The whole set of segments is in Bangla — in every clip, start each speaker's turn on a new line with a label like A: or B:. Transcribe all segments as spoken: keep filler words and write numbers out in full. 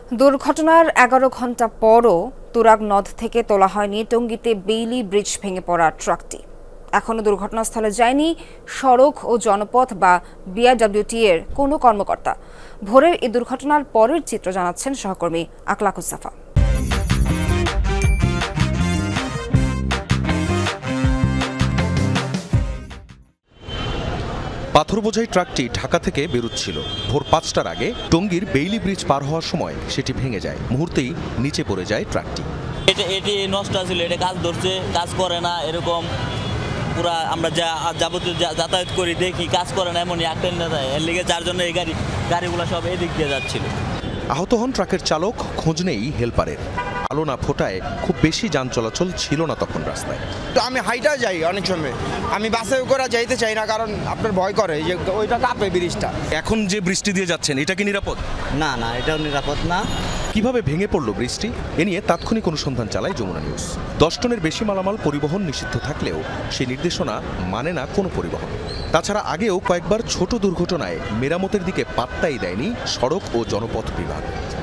A: দুর্ঘটনার এগারো ঘণ্টা পরও তুরাগ নদ থেকে তোলা হয়নি টঙ্গীতে বেইলি ব্রিজ ভেঙে পড়া ট্রাকটি। এখনও দুর্ঘটনাস্থলে যায়নি সড়ক ও জনপথ বা বিআরডব্লিউটি এর কোনো কর্মকর্তা। ভোরের এই দুর্ঘটনার পরের চিত্র জানাচ্ছেন সহকর্মী আকলাকুস সাফা।
B: পাথর বোঝাই ট্রাকটি ঢাকা থেকে বেরোচ্ছিল। ভোর পাঁচটার আগে টঙ্গীর বেইলি ব্রিজ পার হওয়ার সময় সেটি ভেঙে যায়। মুহূর্তেই নিচে পড়ে যায় ট্রাকটি।
C: এটা এটি নষ্ট ছিল, এটা কাজ ধরছে, কাজ করে না, এরকম পুরা আমরা যা যাবতীয় যাতায়াত করি দেখি কাজ করে না, এমনই একটা না যায়। এর লিগে যার জন্য এই গাড়ি গাড়িগুলো সব এদিক দিয়ে যাচ্ছিল।
B: আহত হন ট্রাকের চালক, খোঁজ নেই হেলপারের। আলো না ফোটায় খুব বেশি যান চলাচল ছিল না তখন রাস্তায়।
D: তো আমি হাইটা যাই অনেক সময়, আমি বাসে করে যাইতে চাই না, কারণ আপনার ভয় করে যে ওইটা কাঁপে ব্রিজটা।
B: এখন যে বৃষ্টি দিয়ে যাচ্ছেন এটা কি নিরাপদ?
C: না না, এটাও নিরাপদ না।
B: কিভাবে ভেঙে পড়ল বৃষ্টি এ নিয়ে তাৎক্ষণিক অনুসন্ধান চালায় যমুনা নিউজ। দশ টনের বেশি মালামাল পরিবহন নিষিদ্ধ থাকলেও সেই নির্দেশনা মানে না কোনো পরিবহন। তাছাড়া আগেও কয়েকবার ছোট দুর্ঘটনায় মেরামতের দিকে পাত্তাই দেয়নি সড়ক ও জনপথ বিভাগ।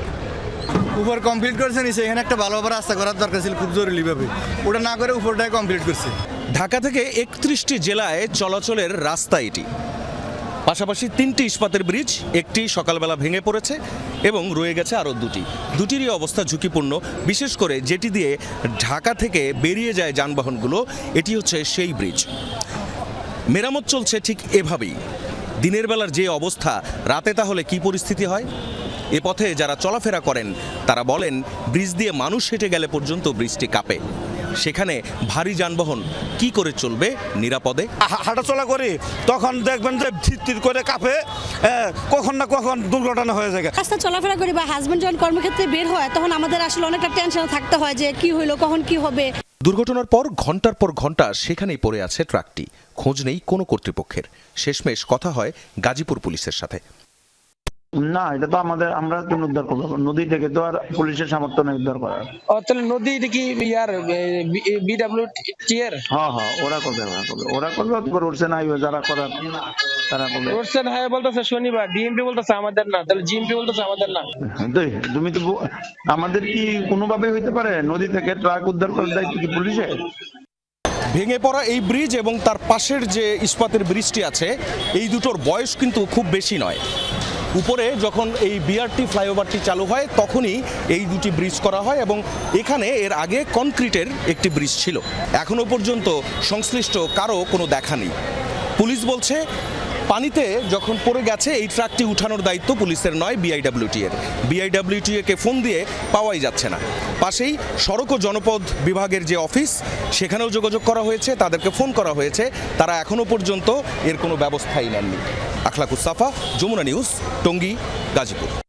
E: উপর কমপ্লিট করছে নিচে, এখানে একটা ভালোভাবে রাস্তা করার দরকার ছিল খুব জরুরিভাবে, ওটা না করে উপরটাই কমপ্লিট করছে।
B: ঢাকা থেকে একত্রিশটি জেলায় চলাচলের রাস্তা এটি। পাশাপাশি তিনটি ইস্পাতের ব্রিজ, একটি সকালবেলা ভেঙে পড়েছে এবং রয়ে গেছে আরও দুটি। দুটিরই অবস্থা ঝুঁকিপূর্ণ, বিশেষ করে যেটি দিয়ে ঢাকা থেকে বেরিয়ে যায় যানবাহনগুলো, এটি হচ্ছে সেই ব্রিজ। মেরামত চলছে ঠিক এভাবেই। দিনের বেলার যে অবস্থা, রাতে তাহলে কি পরিস্থিতি হয়? এ পথে যারা চলাফেরা করেন তারা বলেন ব্রিজ দিয়ে মানুষ হেঁটে গেলে পর্যন্ত ব্রিজটি কাঁপে। সেখানে ভারী যানবাহন কি করে চলবে নিরাপদে?
F: হাঁটাচলা করি তখন দেখবেন যে ধির করে কাঁপে, কখন না কখন দুর্ঘটনা হয়ে যায়।
G: রাস্তা চলাফেরা করি বা হাজবেন্ড যখন কর্মক্ষেত্রে বের হয় তখন আমাদের আসলে অনেকটা টেনশন থাকতে হয় যে কি হইলো, কখন কি হবে।
B: দুর্ঘটনার পর ঘন্টার পর ঘন্টা সেখানেই পড়ে আছে ট্রাকটি। খোঁজ নেই কোনো কর্তৃপক্ষের। শেষমেশ কথা হয় গাজীপুর পুলিশের সাথে।
H: না, এটা তো আমাদের, আমরা তো উদ্ধার করবো নদী থেকে, তো আর পুলিশের সামর্থ্য নেই উদ্ধার করার।
I: তাহলে নদী কি ইয়ার বিডব্লিউটি এর?
H: হ্যাঁ হ্যাঁ, ওরা করবে, ওরা করবে, ওরা করবে। তারপর উঠছে না, যারা করার তারা করবে।
I: উঠছে না বলতেছে শনিবার, ডিএমপি বলতেছে আমাদের না, তাহলে জিএমপি বলতেছে আমাদের না।
H: তুমি তো, আমাদের কি কোনোভাবে হইতে পারে নদী থেকে ট্রাক উদ্ধার করার দায়িত্ব কি পুলিশের?
B: ভেঙে পড়া এই ব্রিজ এবং তার পাশের যে ইস্পাতের ব্রিজটি আছে, এই দুটোর বয়স কিন্তু খুব বেশি নয়। উপরে যখন এই বিআরটি ফ্লাইওভারটি চালু হয় তখনই এই দুটি ব্রিজ করা হয় এবং এখানে এর আগে কনক্রিটের একটি ব্রিজ ছিল। এখনো পর্যন্ত সংশ্লিষ্ট কারো কোনো দেখা নেই। পুলিশ বলছে পানিতে যখন পড়ে গেছে এই ট্রাকটি উঠানোর দায়িত্ব পুলিশের নয়, বিআইডব্লিউটি এর। বিআইডব্লিউটি কে ফোন দিয়ে পাওয়াই যাচ্ছে না। পাশেই সড়ক ও জনপথ বিভাগের যে অফিস, সেখানেও যোগাযোগ করা হয়েছে, তাদেরকে ফোন করা হয়েছে, তারা এখনো পর্যন্ত এর কোনো ব্যবস্থাই নেননি। আকলাকুস সাফা, যমুনা নিউজ, টঙ্গী, গাজীপুর।